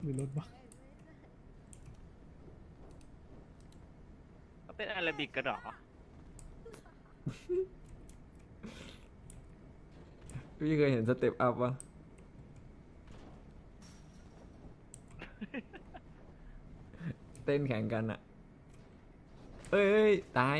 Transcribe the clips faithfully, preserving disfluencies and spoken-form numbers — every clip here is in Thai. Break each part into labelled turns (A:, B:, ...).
A: มีรถบัก
B: เขาเป็นอาราบิกกันหรอ
C: พี่เคยเห็นสเต็ปอัพปะเต้นแข่งกันอะเอ้ยตาย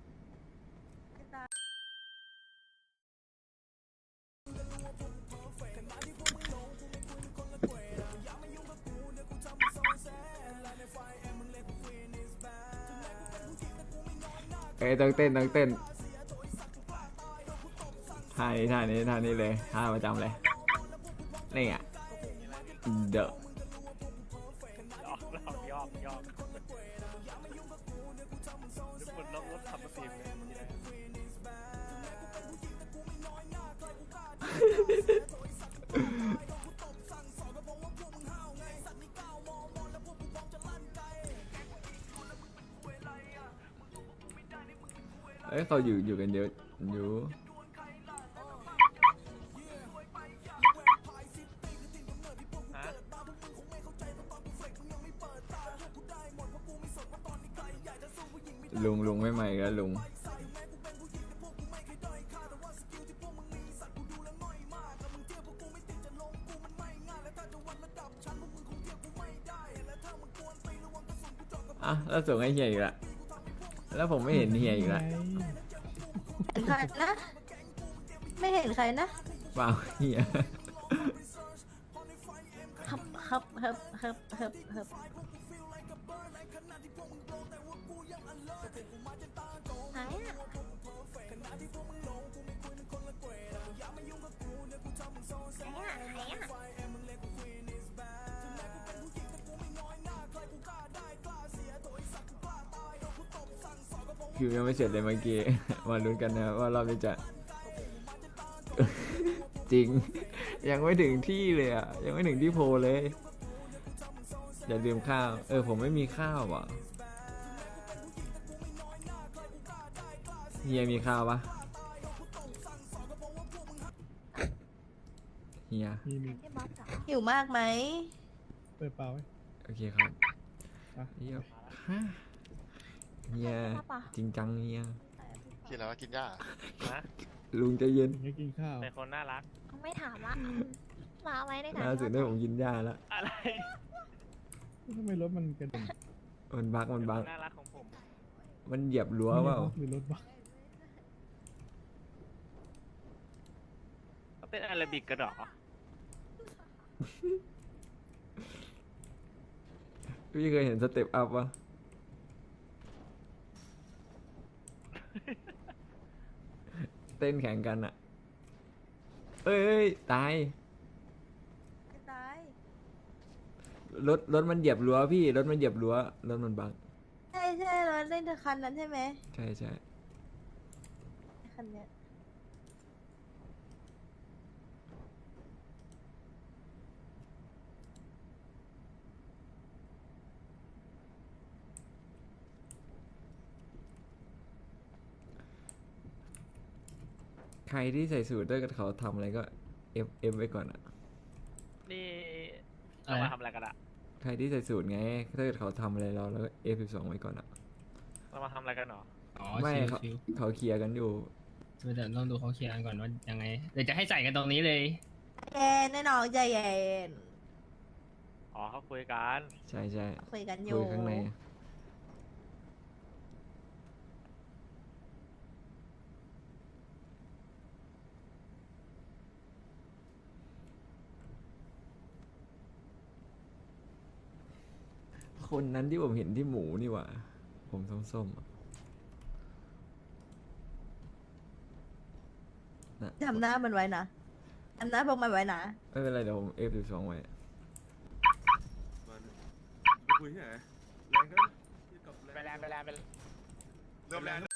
C: เอ้ยต้องเต้นต้องเต้นท่านี้ท่านี้ท่านี้เลยท่าประจำเลยนี่อ่ะเดอะ
B: ยอกยอกยอกยอกทุกคนล็อกรถขับมาตีมเลย
C: เอ้ยเขาอยู่อยู่กันเยอะอยู่ลุงลุงไม่ใหม่ก็ลุงอ่ะแล้วส่งให้เฮียอีกละแล้วผมไม่เห็นเฮียอีกละ
D: เห็นใครนะ ไม่เห็นใครนะ
C: เปล่าเฮีย
D: ฮับฮับฮับฮับฮับฮับไหนอะไหนอะไหนอะ
C: คิวยังไม่เสร็จเลยเมื่อกี้ มาลุ้นกันนะว่ารอบนี้จะ จริง ยังไม่ถึงที่เลยอ่ะ ยังไม่ถึงที่โพลเลย อย่าลืมข้าว เออผมไม่มีข้าวอ่ะเฮียมีข้าวปะเฮีย
A: มีมี
D: หิวมากไหม
A: เปิดเปล่าไว้
C: โอเคครับ
A: อ่ะ
C: เฮียฮะเฮียจริงจังเฮีย
E: กินแล้วกินหญ้า
B: นะ
C: ลุงใจเย็น
A: อย่างนี้กินข้าว
B: เป็นคนน่ารัก
D: ไม่ถามละมาไว้ในถัง
C: ล่าสุดได้ผมกินหญ้าแล้ว
B: อะไร
A: ทำไมรถมันกระเด็น
C: มันบักมันบัก
B: น่ารักของผม
C: มันเหยียบรั้วเปล่า
A: มีรถบัก
B: เขาเป็นอาราบิกกันหรอ
C: พี่เคยเห็นสเต็ปอัพปะเต้นแข่งกันอะเอ้ยตาย
D: ตาย
C: รถรถมันเหยียบรั้วพี่รถมันเหยียบรั้วรถมันบัง
D: ใช่ใช่รถเล่นคันนั้นใช่ไหม
C: ใช่ใช่
D: คันเนี้ย
C: ใครที่ใส่สูทด้วยกับเขาทำอะไรก็เอฟเอฟไว้ก่อนอะ
B: นี่เรามาทำอะไรกันอะ
C: ใครที่ใส่สูทไงถ้าเกิดเขาทำอะไรเราแล้วเอฟสิบสองไว้ก่อนอะ
B: เรามาทำอะไรกันหรอ
F: อ๋อ
C: ไม่
F: ชิว
C: เขา
F: ชิว
C: เขาเคลียร์กันอยู่
F: เดี๋ยวต้องดูเขาเคลียร์กันก่อนว่ายังไงเดี๋ยวจะให้ใส่กันตรงนี้เลย
D: เย็นแน่นอนใจเย็น
B: อ๋อเขาคุยกัน
C: ใช่ใช่
D: คุยกันอ
C: คุ
D: ยู่
C: ยข้างในคนนั้นที่ผมเห็นที่หมูนี่หว่า ผมส้มๆอะน่ะ
D: จำหน้ามันไว้นะจำหน้าพวกมันไว้นะ
C: ไม่เป็นไรเดี๋ยวผมเอฟสิบสองไว้
G: คุยที่ไหนแรงก็กับ
B: ไปแล้วไปแล้วไปแล้ว
E: เริ่มแรง